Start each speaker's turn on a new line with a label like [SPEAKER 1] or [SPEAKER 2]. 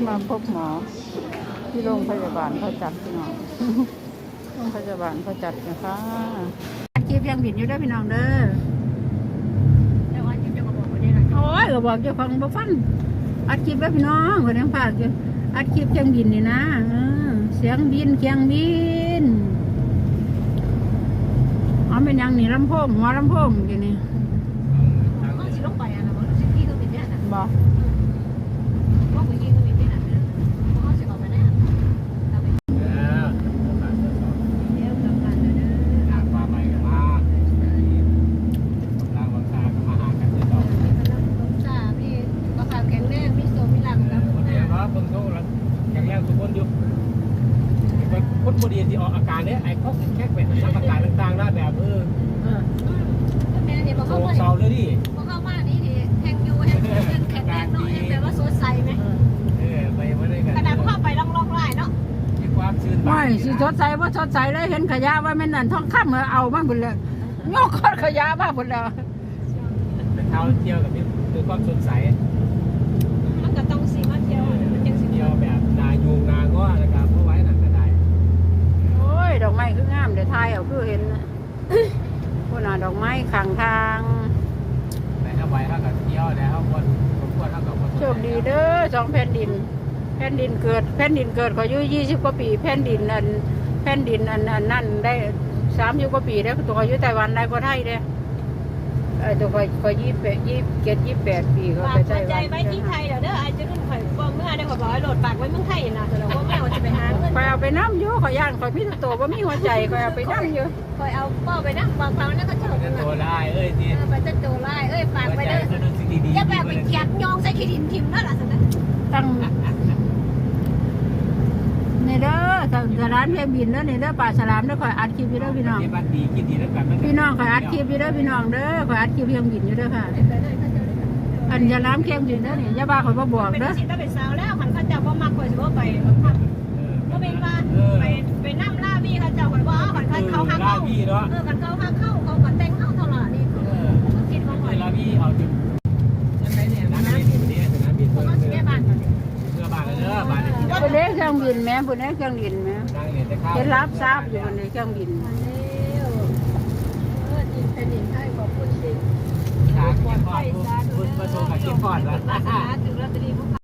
[SPEAKER 1] มาพบหมอที่โรงพยาบาลเขาจัดพี่น้องโรงพยาบาลเขาจัดนะคะอัดคลิปยังบิดอยู่ได้พี่น้องเด้อโอ้ยก็บอกเจ้าของบ่ฟังอัดคลิปแล้วพี่น้องคนยังฝากอยู่อัดคลิปเครื่องบินนี่นะเสียงบินเครื่องบินอ๋อเป็นยังนี่ลำโพงหัวลำโพงอยู่นี่บอก
[SPEAKER 2] คนบดีที่ออกอาการเนี่ยไอ้เขาแค่เป็นอาการต่างๆนะแบบโศกเศร้าเลยดิ
[SPEAKER 3] พอเข้ามานี่ดิแข่งอยู่แข่งแข่งเนาะแปลว่าสดใสไหม
[SPEAKER 2] ไปไม่ได้กัน
[SPEAKER 3] ขนาดเข้าไปล่องไล่เนาะ
[SPEAKER 2] มีความชื่น
[SPEAKER 1] ไม่สิสดใสว่าสดใสเลยเห็นขยะว่าแม่นั่นท้องค่ำเอามาหมดเลยงอกก้อนขยะมาหมดเลย
[SPEAKER 2] เป็นเท้าเที่ยวกับมีด้วยความสดใส
[SPEAKER 3] มันก็ต้องสีมาเที่ยวมันยังสี
[SPEAKER 2] เที่ยวแบบนายูงนาก็นะครับเพราะไว้หนักกระได
[SPEAKER 1] โอ้ยดอกไม้คืองามเดี๋ยวทายเอาคือเห็นพวกน่ะดอกไม้ข้างทาง
[SPEAKER 2] แต่ถ้าไว้ถ้ากับเที่ยวแล้วคนเท่ากับ
[SPEAKER 1] โชคดีเด้อสองแผ่นดินเกิดขออายุ20 กว่าปีแผ่นดินอันนั่นได้30 กว่าปีแล้วตัวอายุไต้หวันได้ก็ไทยเด้ตัวก็27 ปีก็ไปไต้หวัน
[SPEAKER 3] ใจไว้ที่ไทยเดี๋ยวเด้อไอ้จะรุ่นข่อยบอกเมื่อได้ข่อยบอกให้โหลดปากไว้เมืองไทยนะแต่เราว่าแม่ว่าจะไปหาเงิน
[SPEAKER 1] ข่อยเอาไปน้ำอยู่ข่อยย่านข่อยพี่ตัวว่ามีหัวใจข่อยเอาไปน้ำอยู่
[SPEAKER 3] ข่อยเอาเป้าไปนะบางครั้งนั่นก็เจอ
[SPEAKER 2] ตัวได้ที
[SPEAKER 3] ไปจะโจไล่ฝากไปเด้ออย่าแบบไปเกียดยองใส่ขี้ดินทิมนั่นแหละสินะ
[SPEAKER 1] ตั้งนี่เด้อสถานเพียงบินเด้อนี่เด้อป่าฉลามเด้อข่อยอัดคลิปอยู่เด้อพี่น้องพี่น้องข่อยอัดคลิปอยู่เด้อพี่น้องเด้อข่อยอัดคลิปเพียงบินอยู่เด้อค่ะอันฉลามเพียงบินเด้อนี่อย่าบ้าข่อยบ่บอกเด้อ
[SPEAKER 3] เป็นสิต้องเป็นสาวแล้วมันเขาจะบ่มักข่อยสิบ่ไปก็เป็นว่าไปนั่งล่าบี้เขาเจ้าข่อยว่าเขาหักเข้ากันเขาหักเข้าเขาก็แต่งเข้าเท่าไหร่นี่คิดว่าข่อย
[SPEAKER 2] ล่าบี้เอาจุดนั่นไหนเนี่ยน้ำบินนี่น้ำบินเพื่อบ้านบ้าน
[SPEAKER 1] ผู้เล่เครื่องบินแม่ผู้เล่เครื่องบินแม่เห็นรับทราบอยู่ในเครื่องบิน
[SPEAKER 3] ดินเป็นดินให้ขอบคุณสิ
[SPEAKER 2] ขาเกี่ยวข้องคุณประสบกับเกี่ยวข้องแล้ว
[SPEAKER 3] ถึงแล้วจะดีพวก